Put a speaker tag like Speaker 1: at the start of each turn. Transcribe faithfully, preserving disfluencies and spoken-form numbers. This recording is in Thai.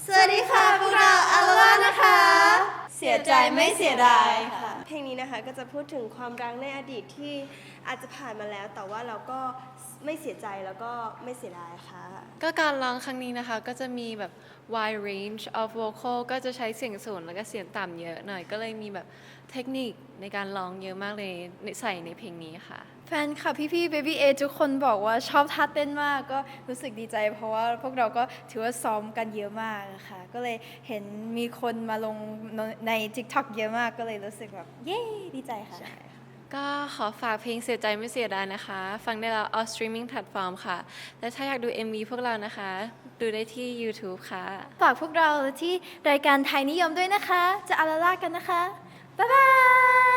Speaker 1: สวัสดีค่ะพวกเราอัลลานะคะ เสียใจไม่เสียดายค่ะเพลงนี้นะคะก็จะพูดถึงความรักในอดีตที่อาจจะผ่านมาแล้วแต่ว่าเราก็ไม่เสียใจแล้วก็ไม่เสียดายค่ะ
Speaker 2: ก็การร้องครั้งนี้นะคะก็จะมีแบบ wide range of vocal ก็จะใช้เสียงสูงแล้วก็เสียงต่ำเยอะหน่อยก็เลยมีแบบเทคนิคในการร้องเยอะมากเลยใส่ในเพลงนี้ค่ะ
Speaker 3: แฟนคลับพี่ๆ Baby A ทุกคนบอกว่าชอบท่าเต้นมากก็รู้สึกดีใจเพราะว่าพวกเราก็ถือว่าซ้อมกันเยอะมากนะคะก็เลยเห็นมีคนมาลงใน TikTok เยอะมากก็เลยรู้สึกแบบเย้ดีใจค่ะ
Speaker 2: ก็ขอฝากเพลงเสียใจไม่เสียดายนะคะ ฟังได้แล้ว all streaming platform ค่ะ และถ้าอยากดู เอ็ม วี พวกเรานะคะ ดูได้ที่ YouTube ค่ะ
Speaker 3: ฝากพวกเราที่รายการไทยนิยมด้วยนะคะ จะอาลาลากันนะคะ บ๊ายบาย